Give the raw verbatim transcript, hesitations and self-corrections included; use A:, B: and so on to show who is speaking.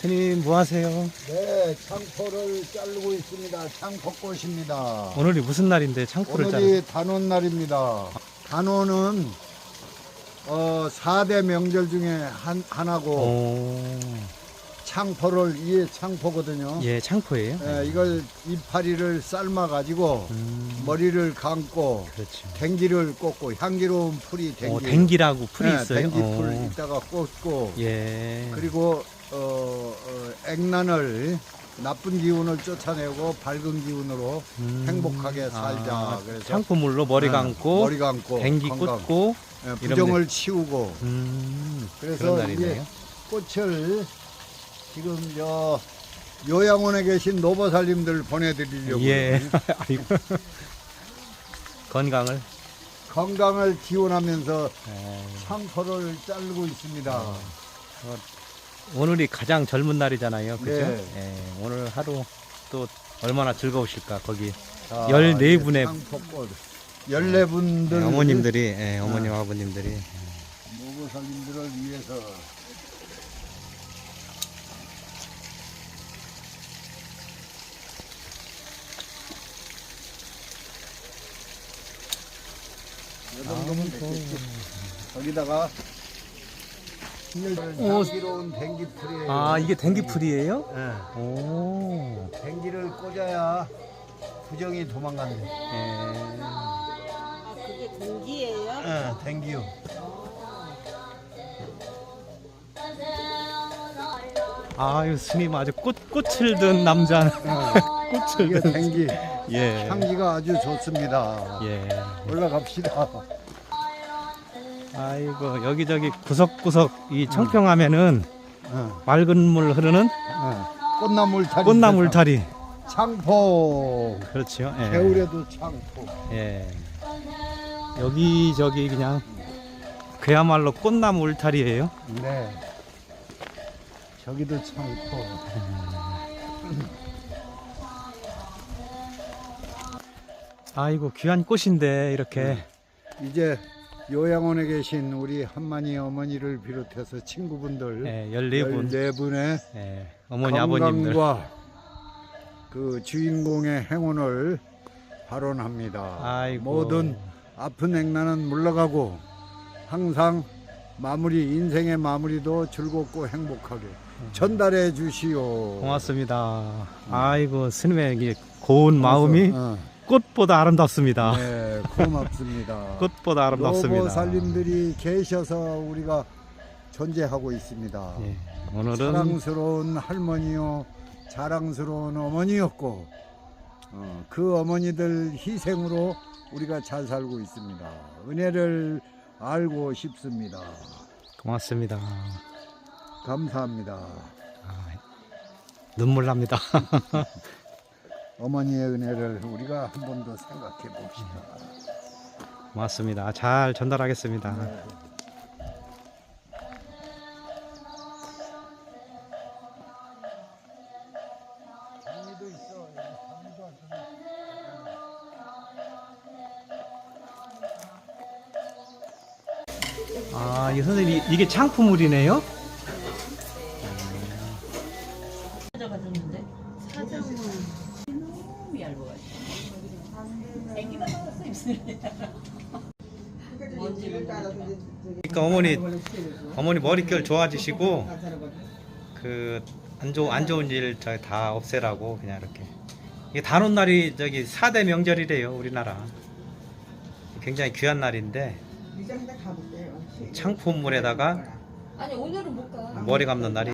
A: 스님 뭐 하세요?
B: 네, 창포를 자르고 있습니다. 창포꽃입니다.
A: 오늘이 무슨 날인데 창포를 자르?
B: 오늘이 단오날입니다. 단오는 어, 사 대 명절 중에 한, 하나고
A: 오,
B: 창포를 이게 창포거든요.
A: 예, 창포예요?
B: 예, 이걸 이파리를 삶아 가지고
A: 음,
B: 머리를 감고
A: 그렇죠.
B: 댕기를 꽂고 향기로운 풀이 댕기.
A: 어, 댕기라고 풀이
B: 예,
A: 있어요?
B: 댕기풀
A: 어,
B: 이따가 꽂고
A: 예.
B: 그리고 어, 어, 액난을 나쁜 기운을 쫓아내고 밝은 기운으로
A: 음,
B: 행복하게 살자.
A: 아,
B: 그래서
A: 창포물로 머리
B: 예,
A: 감고,
B: 머리 감고
A: 댕기
B: 건강.
A: 꽂고,
B: 예, 부정을 치우고
A: 음,
B: 그래서
A: 그런 날이네요.
B: 꽃을 지금 저 요양원에 계신 노보살님들 보내드리려고
A: 예. 아이고. 건강을.
B: 건강을 기원하면서
A: 예.
B: 창포를 자르고 있습니다.
A: 어, 오늘이 가장 젊은 날이잖아요. 그죠?
B: 네.
A: 예, 오늘 하루 또 얼마나 즐거우실까, 거기.
B: 자,
A: 열네
B: 이제
A: 분의
B: 창포꽃 열네 분들
A: 예, 어머님들이, 예, 어머님, 아버님들이.
B: 노보살님들을 위해서 이 정도면 됐겠지. 거기다가
A: 오.
B: 향기로운 댕기풀이에요.
A: 아, 이게 댕기풀이에요?
B: 예.
A: 오.
B: 댕기를 꽂아야 부정이 도망간대.
A: 예.
C: 아, 그게 공기예요?
B: 예, 댕기요.
A: 아유, 스님 아주 꽃, 꽃을 든 남자. 꽃을
B: 이게
A: 든.
B: 댕기.
A: 예.
B: 향기가 아주 좋습니다.
A: 예.
B: 올라갑시다.
A: 아이고, 여기저기 구석구석 이 청평하면은
B: 어,
A: 맑은 물 흐르는
B: 어. 꽃나물 다리.
A: 꽃나물 다리.
B: 창포.
A: 그렇죠. 예.
B: 겨울에도 창포.
A: 예. 여기저기 그냥 그야말로 꽃나무 울타리예요.
B: 네. 저기도 창포.
A: 아이고, 귀한 꽃인데 이렇게.
B: 이제 요양원에 계신 우리 한만희 어머니를 비롯해서 친구분들
A: 예, 열네 분.
B: 열네 분의
A: 예, 어머니 아버님들.
B: 건강과 그 주인공의 행운을 발언합니다.
A: 아이고.
B: 모든 아픈 액난은 물러가고 항상 마무리 인생의 마무리도 즐겁고 행복하게 전달해 주시오.
A: 고맙습니다. 아이고, 스님의 이 고운 마음이
B: 어,
A: 꽃보다 아름답습니다.
B: 네, 고맙습니다.
A: 꽃보다 아름답습니다.
B: 노보살님들이 계셔서 우리가 존재하고 있습니다.
A: 예, 오늘은
B: 사랑스러운 할머니요, 자랑스러운 어머니였고 어, 그 어머니들 희생으로 우리가 잘 살고 있습니다. 은혜를 알고 싶습니다.
A: 고맙습니다.
B: 감사합니다.
A: 아, 눈물 납니다.
B: 어머니의 은혜를 우리가 한 번 더 생각해 봅시다.
A: 고맙습니다. 잘 전달하겠습니다.
B: 장미도 있어. 장미도 안
A: 아, 이 선생님, 이- 이게 창포물이네요?
C: 가져가줬는데 사장은 너무 얇아가지고 애기만 나왔어 입술에.
A: 그러니까 어머니, 어머니 머릿결 좋아지시고, 그, 안 좋은, 안 좋은 일 저기 다 없애라고, 그냥 이렇게. 이게 단오날이 저기 사 대 명절이래요, 우리나라. 굉장히 귀한 날인데, 창포물에다가
C: 아니 오늘은 못 가.
A: 머리 감는 날이